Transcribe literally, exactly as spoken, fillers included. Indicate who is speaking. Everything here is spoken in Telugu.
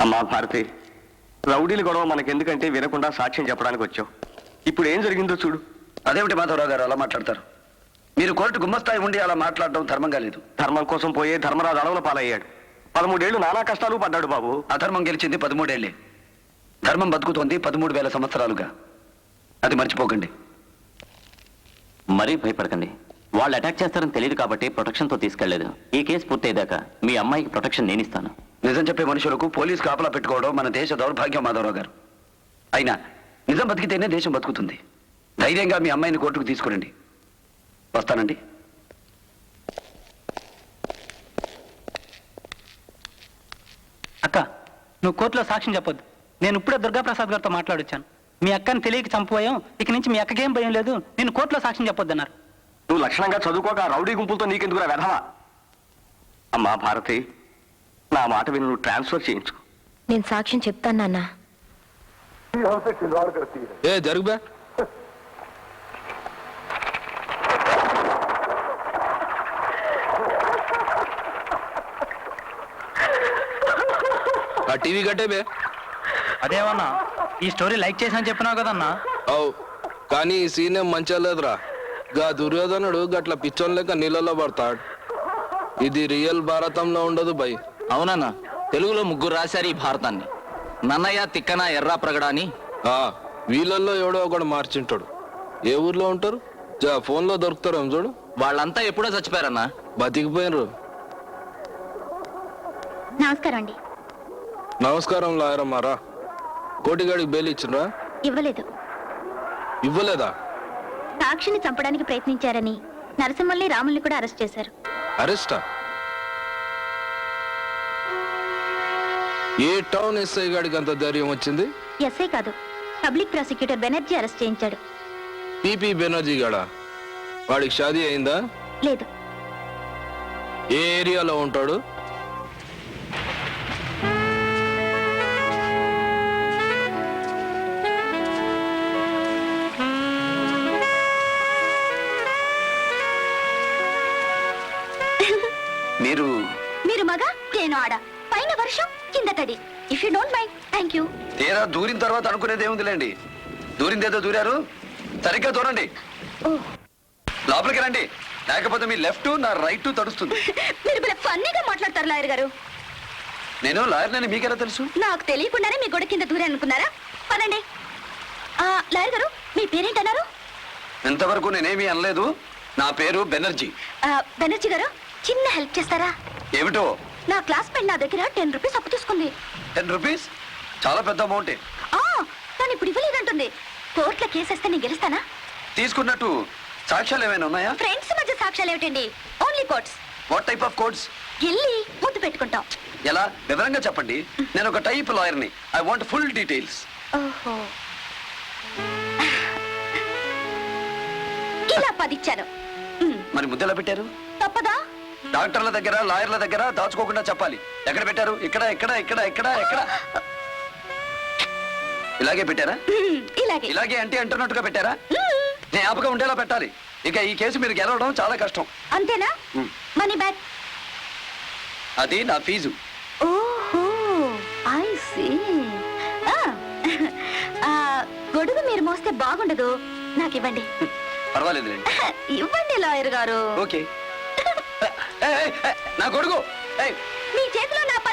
Speaker 1: అమ్మా భారతి, రౌడీలు గొడవ మనకెందుకంటే వినకుండా సాక్ష్యం చెప్పడానికి వచ్చావు. ఇప్పుడు ఏం జరిగిందో చూడు.
Speaker 2: అదేమిటి మాధవరావు గారు అలా మాట్లాడతారు? మీరు కోర్టు గుమ్మస్తాయి ఉండి అలా మాట్లాడడం ధర్మంగా లేదు.
Speaker 1: ధర్మం కోసం పోయే ధర్మరాజు అడవుల పాలయ్యాడు. పదమూడేళ్లు నానా కష్టాలు పడ్డాడు బాబు.
Speaker 2: అధర్మం గెలిచింది పదమూడేళ్లే. ధర్మం బతుకుతోంది పదమూడు వేల సంవత్సరాలుగా. అది మర్చిపోకండి.
Speaker 3: మరీ భయపడకండి. వాళ్ళు అటాక్ చేస్తారని తెలియదు కాబట్టి ప్రొటెక్షన్తో తీసుకెళ్లేదు. ఈ కేసు పూర్తయ్యేదాకా మీ అమ్మాయికి ప్రొటెక్షన్ నేను ఇస్తాను.
Speaker 2: నిజం చెప్పే మనుషులకు పోలీసు కాపలా పెట్టుకోవడం మన దేశ దౌర్భాగ్యం మాధవరావు గారు. అయినా నిజం బతికితేనే దేశం బతుకుతుంది. ధైర్యంగా మీ అమ్మాయిని కోర్టుకు తీసుకురండి. వస్తానండి.
Speaker 4: అక్క, నువ్వు కోర్టులో సాక్ష్యం చెప్పొద్దు. నేను ఇప్పుడే దుర్గాప్రసాద్ గారితో మాట్లాడొచ్చాను. మీ అక్కని తెలియక చంపుపోయాం, ఇక నుంచి మీ అక్కకేం భయం లేదు, నేను కోర్టులో సాక్ష్యం చెప్పొద్దన్నారు.
Speaker 1: నువ్వు లక్షణంగా చదువుకోక రౌడీ గుంపులతో నీకెందుకురా వెధవా? అమ్మా భారతి, నా మాట విని నువ్వు ట్రాన్స్ఫర్ చేయించుకో.
Speaker 5: నేను సాక్ష్యం చెప్తాను నాన్న.
Speaker 6: ఏ జరుగుబా ఆ టీవీ కట్టే బే.
Speaker 4: అదేమన్నా ఈ స్టోరీ లైక్ చేసినా చెప్పినావు కదన్నా.
Speaker 6: అవు కానీ ఈ సీన్ ఏం మంచిగా లేదురా. గా దుర్యోధనుడు గట్ల పిచ్చోన్ లెక్క నీళ్ళలో పడతాడు. ఇది రియల్ భారతంలో ఉండదు బై.
Speaker 3: అవునన్నా, తెలుగులో ముగ్గురు రాశారు ఈ భారతాన్ని. నన్నయ్య, తిక్కన, ఎర్రా ప్రగడ అని.
Speaker 6: ఆ వీళ్ళల్లో ఎవడో ఒకడు మార్చింటాడు. ఏ ఊర్లో ఉంటారు? జా ఫోన్లో దొరుకుతారు ఏం చూడు.
Speaker 3: వాళ్ళంతా ఎప్పుడో చచ్చిపోయారన్నా.
Speaker 6: బతికిపోయినరు.
Speaker 5: నమస్కారం అండి.
Speaker 6: నమస్కారం లాయరమ్మారా. కోటిగాడికి బెయిల్ ఇచ్చినరా?
Speaker 5: ఇవ్వలేదు.
Speaker 6: ఇవ్వలేదా?
Speaker 5: సాక్షిని చంపడానికి ప్రయత్నించారని నరసింహల్ని, రాముల్ని కూడా అరెస్ట్ చేశారు.
Speaker 6: అరెస్టా? ఏ టౌన్ ఎస్ఐ గాడికి అంత ధైర్యం వచ్చింది?
Speaker 5: ఎస్ఐ కాదు, పబ్లిక్ ప్రాసిక్యూటర్ బెనర్జీ అరెస్ట్ చేయించాడు.
Speaker 6: పిపి బెనర్జీ గాడా? వాడికి షాదీ అయిందా?
Speaker 5: లేదు.
Speaker 6: ఏ ఏరియాలో ఉంటాడు?
Speaker 2: మీరు
Speaker 5: మీరు మగ, నేను ఆడ. పైన వర్షం, కింద తడి. If you don't mind, thank you.
Speaker 2: తీరా దూరిన తర్వాత అనుకునేది ఏముందిలేండి. దూరిందేదో దూరారు, సరిగ్గా దూరండి. లోపలికి రండి, లేకపోతే మీ లెఫ్ట్ నా రైట్ తడుస్తుంది.
Speaker 5: మీరు ఫన్నీగా మాట్లాడతారు లాయర్ గారు.
Speaker 2: నేను లాయర్నని మీకెలా తెలుసు?
Speaker 5: నాకు తెలియకుండానే మీ గొడవ కింద దూరే అనుకున్నారా? పనండి. లాయర్ గారు, మీ పేరేంటన్నారు?
Speaker 2: ఇంతవరకు నేనేమీ అనలేదు. నా పేరు బెనర్జీ.
Speaker 5: బెనర్జీ గారు, చిన్న హెల్ప్ చేస్తారా?
Speaker 2: ఏమిటో?
Speaker 5: నా క్లాస్మేట్ నా దగ్గర టెన్ రూపీస్ అప్పు తీసుకుంది.
Speaker 2: టెన్ రూపీస్ చాలా పెద్ద అమౌంటే.
Speaker 5: తను ఇప్పుడు ఇవ్వలేదంటుంది. కోర్టులో కేసేస్తే నేను గెలుస్తానా?
Speaker 2: తీసుకున్నట్టు సాక్ష్యాలు ఏమైనా ఉన్నాయా?
Speaker 5: ఫ్రెండ్స్ మధ్య సాక్ష్యాలు ఏమిటండి? Only courts.
Speaker 2: What type of courts?
Speaker 5: వెళ్ళి ముద్దు పెట్టుకుంటాం.
Speaker 2: ఎలా? వివరంగా చెప్పండి. నేను ఒక టైప్ లాయర్ని. I want full details.
Speaker 5: ఓహో, ఇలా పదిచ్చాను.
Speaker 2: మరి ముద్దెలా పెట్టారు?
Speaker 5: తప్పదా?
Speaker 2: డాక్టర్ల దగ్గర, లాయర్ల దగ్గర దాచుకోకుండా చెప్పాలి. ఎక్కడ పెట్టారు? ఇక్కడ, ఇక్కడ, ఇక్కడ, ఇక్కడ, ఎక్కడ? ఇలాగే పెట్టారా?
Speaker 5: ఇలాగే.
Speaker 2: ఇలాగే అంటే అంటున్నట్టుగా పెట్టారా? నేను ఆపగా ఉండేలా పెట్టాలి. ఇక ఈ కేసు మీరు గెలవడం చాలా కష్టం.
Speaker 5: అంతేనా? Money back.
Speaker 2: అది నా ఫీజు.
Speaker 5: ఓహో, ఐ సీ. గొడుగు మీరు మోస్తే బాగుండదు, నాకు ఇవ్వండి.
Speaker 2: పర్వాలేదు,
Speaker 5: ఇవ్వండి లాయర్ గారు.
Speaker 2: ఓకే. నా గొడుగు.
Speaker 5: మీ చేతిలో నా